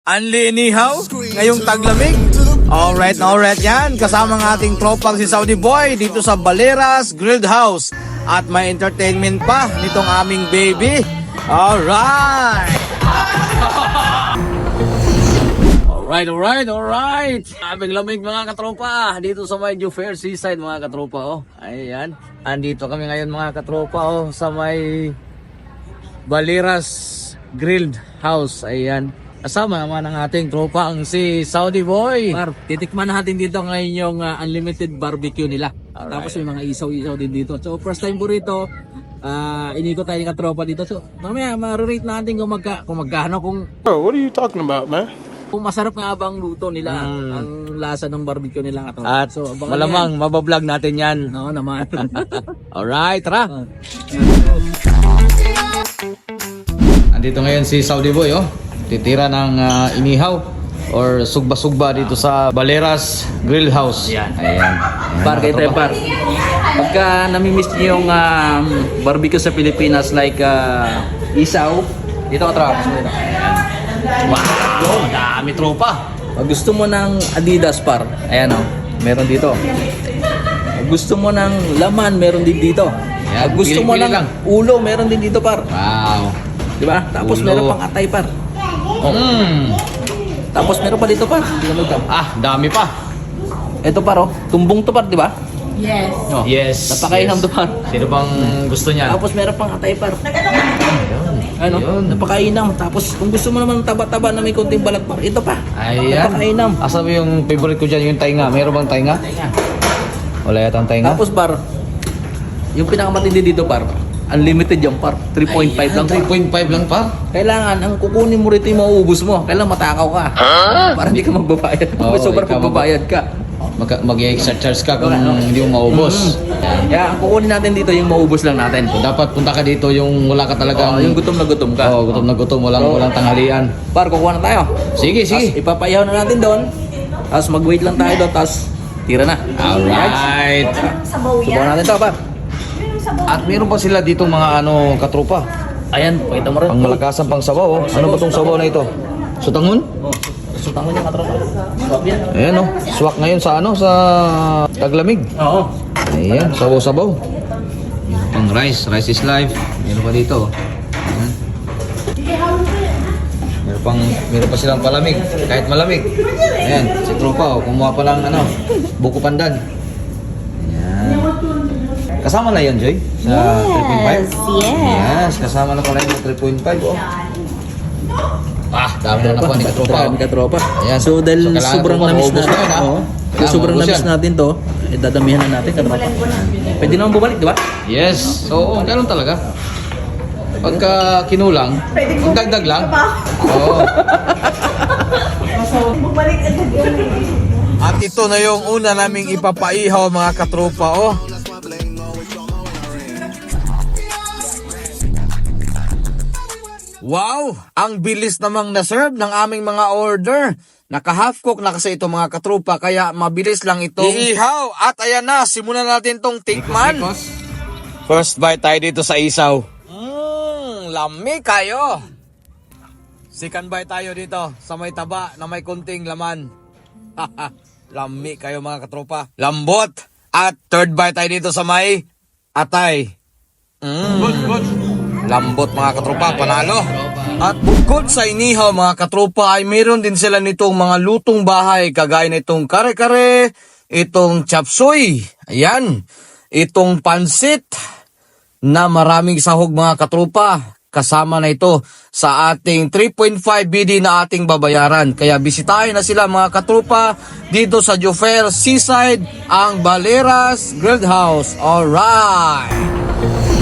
Anli inihaw, ngayong taglamig. Alright yan. Kasama ng ating tropang si Saudi Boy dito sa Baleras Grilled House. At may entertainment pa nitong aming baby. Alright. Aming lamig mga katropa. Dito sa may Jufair Seaside mga katropa. Oh. Ayan. Andito kami ngayon mga katropa sa may Baleras Grilled House. Ayan. Kasama naman ang ating tropa ang si Saudi Boy. Par, titikman natin dito ngayon yung unlimited barbecue nila. Alright. Tapos may mga isaw-isaw din dito. So first time po rito, iniko tayo ng katropa dito. So mamaya ma-rate natin kung magkano kung Bro, what are you talking about, man? kung masarap nga ba ang luto nila, ang lasa ng barbecue nila katropa. At So abangan malamang mabablog natin yan. yan. No, naman. Alright, tara. Andito ngayon si Saudi Boy, titira ng inihaw or sugba-sugba dito sa Baleras Grill House. Ayan. Ayan. Par, kayo tayo par. Pagka namimiss niyo yung barbecue sa Pilipinas like isaw, dito ka tropa. Wow, dami tropa. Pag gusto mo ng Adidas par, ayan meron dito. Pag gusto mo ng laman, meron din dito. Ayan, Pag gusto mo pili-pili ng lang. ulo, meron din dito par. Wow. Di ba? Tapos Ulo. meron pang atay par. Tapos meron pa dito par. Tingnan mo ito. Dami pa. Ito par tumbong to par, di ba? Yes. Oh. Yes. Napakainam to par. Sino bang gusto niya? Tapos meron pang atay par. Ano? Ayun. Napakainam. Tapos kung gusto mo naman taba-taba na may konting balat par, ito pa. Ayan. Napakainam. Asa mo yung favorite ko dyan, yung tainga? Meron bang tainga? Wala yata ang tainga? Tapos par, yung pinakamatindi dito par, unlimited yung par. 3.5 lang par. 3.5 lang pa? Kailangan, ang kukunin mo rito yung mauubos mo. Kailangan matakaw ka. Para hindi ka magbabayad. Oo, May sobrang ikaw magbabayad ka. Mag-extra charge ka kung hindi mo maubos. Kaya ang kukunin natin dito yung maubos lang natin. Dapat punta ka dito yung wala ka talagang... Yung gutom na gutom ka. gutom na gutom, walang tanghalian. Par, kukuha na tayo. Sige. Tapos ipapayaw na natin doon. Tapos mag-wait lang tayo doon. Tapos tira na. Alright. Sabaw Subukan yan. natin to par. At meron pa sila dito mga katropa. Ayan, pakita mo rin. Pang malakasan pang sabaw. Ano ba tong sabaw na ito? Sutangon? Sutan mo niya katropa. Swap yan. Ayan swak ngayon sa sa taglamig. Oo. Ayan, sabaw-sabaw. Pang rice is life. Meron pa dito. Ayan. Meron pa silang palamig, kahit malamig. Ayan, si tropa kumuha pa lang buko pandan. Ayan. Kasama na 'yon, Joy? Sa 3.5? Yes, kasama na pala yung 3.5 dami na po ni katropa. Dami katropa. Ayan. So dahil So, kailangan sobrang tropa, namis maubos natin. na yun, Oo. Kailangan Sobrang maubos namis yan. natin to. Dadamihan na natin katropa. Pwede naman bumalik, di ba? Yes. So, ganun talaga. Pagka kinulang, dagdag lang. Oo. Bumalik agad yun. At ito na yung una naming ipapaihaw mga katropa. Wow! Ang bilis namang na-serve ng aming mga order. Naka-half cook na kasi ito mga katropa, kaya mabilis lang ito. Iihaw! At ayan na, simulan natin tong tikman. First bite tayo dito sa isaw. Lami kayo! Second bite tayo dito sa may taba na may kunting laman. Lami kayo mga katropa. Lambot! At third bite tayo dito sa may atay. Lambot mga katropa, panalo. At bukod sa inihaw mga katropa ay mayroon din sila nitong mga lutong bahay kagaya nitong kare-kare, itong chapsuy, ayan, itong pansit na maraming sahog mga katropa. Kasama na ito sa ating 3.5 BD na ating babayaran. Kaya bisitahin na sila mga katropa dito sa Jufair Seaside, ang Baleras Grilled House. Alright!